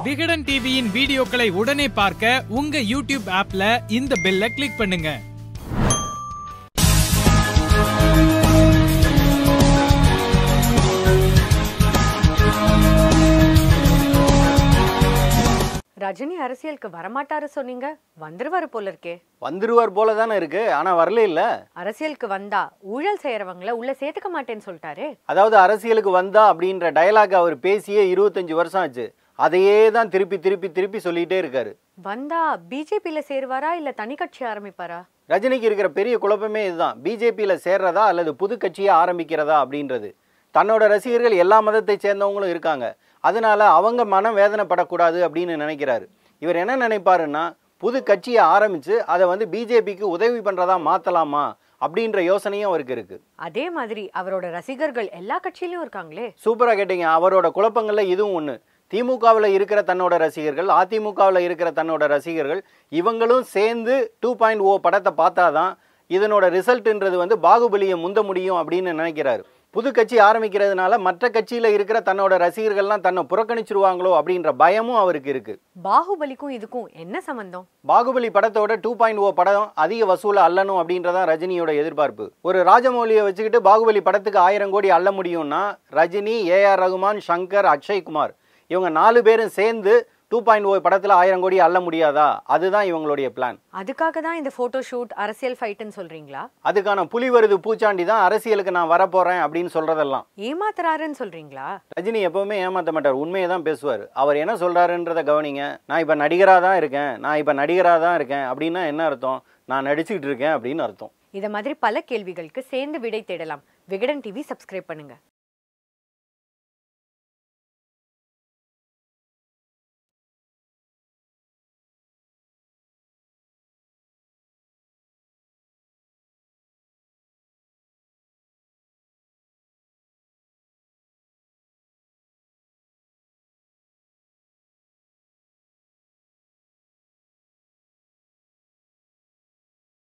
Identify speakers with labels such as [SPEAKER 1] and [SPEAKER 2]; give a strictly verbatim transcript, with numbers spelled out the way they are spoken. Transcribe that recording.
[SPEAKER 1] விகடன் டிவியின் வீடியோக்களை உடனே பார்க்க உங்க யூடியூப் ஆப்ல இந்த பெல்லை கிளிக் பண்ணுங்க.
[SPEAKER 2] ரஜினி அரசியலுக்கு வரமாட்டாரு சொன்னீங்க, வந்துருவாரு போல இருக்கே.
[SPEAKER 3] வந்துருவார் போல தானே இருக்கு, ஆனா வரல இல்ல.
[SPEAKER 2] அரசியலுக்கு வந்தா ஊழல் செய்யறவங்கள உள்ள சேர்த்துக்க மாட்டேன்னு சொல்லிட்டாரு.
[SPEAKER 3] அதாவது அரசியலுக்கு வந்தா அப்படின்ற டயலாக் அவர் பேசியே இருபத்தஞ்சு வருஷம் ஆச்சு. அதையே தான் திருப்பி திருப்பி திருப்பி சொல்லிட்டே இருக்காரு.
[SPEAKER 2] வந்தா பிஜேபியில சேருவாரா இல்ல தனி கட்சி ஆரம்பிப்பாரா?
[SPEAKER 3] ரஜினிக்கு இருக்கிற பெரிய குழப்பமே இதுதான். பிஜேபியில சேர்றதா அல்லது புது கட்சியை ஆரம்பிக்கிறதா அப்படின்றது. தன்னோட ரசிகர்கள் எல்லா மதத்தை சேர்ந்தவங்களும் இருக்காங்க, அதனால அவங்க மனம் வேதனைப்படக்கூடாது அப்படின்னு நினைக்கிறாரு. இவர் என்ன நினைப்பாருன்னா, புது கட்சியை ஆரம்பிச்சு அதை வந்து பிஜேபிக்கு உதவி பண்றதா மாத்தலாமா அப்படின்ற யோசனையும் அவருக்கு இருக்கு.
[SPEAKER 2] அதே மாதிரி அவரோட ரசிகர்கள் எல்லா கட்சியிலும் இருக்காங்களே.
[SPEAKER 3] சூப்பரா கேட்டீங்க. அவரோட குழப்பங்கள்ல இதுவும் ஒண்ணு. திமுகவில் இருக்கிற தன்னோட ரசிகர்கள், அதிமுகவில் இருக்கிற தன்னோட ரசிகர்கள், இவங்களும் சேர்ந்து டூ பாயிண்ட் ஓ படத்தை பார்த்தாதான் இதனோட ரிசல்ட்ன்றது வந்து பாகுபலியை முந்த முடியும் அப்படின்னு நினைக்கிறாரு. புது கட்சி ஆரம்பிக்கிறதுனால மற்ற கட்சியில இருக்கிற தன்னோட ரசிகர்கள்லாம் தன்னை புறக்கணிச்சிருவாங்களோ அப்படின்ற பயமும் அவருக்கு இருக்கு.
[SPEAKER 2] பாகுபலிக்கும் இதுக்கும் என்ன சம்பந்தம்?
[SPEAKER 3] பாகுபலி படத்தோட டூ பாயிண்ட் ஓ படம் அதிக வசூல அள்ளணும் அப்படின்றதான் ரஜினியோட எதிர்பார்ப்பு. ஒரு ராஜமௌலியை வச்சுக்கிட்டு பாகுபலி படத்துக்கு ஆயிரம் கோடி அள்ள முடியும்னா ரஜினி, ஏ ஆர் ரகுமான், சங்கர், அக்ஷய் குமார் இவங்க நாலு பேரும் சேர்ந்து டூ பாயிண்ட் ஓ படத்துல ஆயிரம் கோடி அள்ள முடியாதா? அதுதான் இவங்களுடைய பிளான்.
[SPEAKER 2] அதுக்காக தான் இந்த போட்டோ ஷூட், அரசியல் ஃபைட்னு சொல்றீங்களா?
[SPEAKER 3] அதுக்கான புலி வருது பூச்சாண்டி தான் அரசியலுக்கு நான் வரப்போறேன் அப்படின்னு சொல்றதெல்லாம்.
[SPEAKER 2] ஏமாத்துறாருன்னு சொல்றீங்களா?
[SPEAKER 3] ரஜினி எப்பவுமே ஏமாத்த மாட்டார், உண்மையை தான் பேசுவார். அவர் என்ன சொல்றாருன்றத கவனிங்க. நான் இப்ப நடிகரா தான் இருக்கேன், நான் இப்ப நடிகரா தான் இருக்கேன் அப்படின்னா என்ன அர்த்தம்? நான் நடிச்சுக்கிட்டு இருக்கேன் அப்படின்னு அர்த்தம்.
[SPEAKER 2] இத மாதிரி பல கேள்விகளுக்கு சேர்ந்து விடை தேடலாம். விகடன் டிவி சப்ஸ்கிரைப் பண்ணுங்க.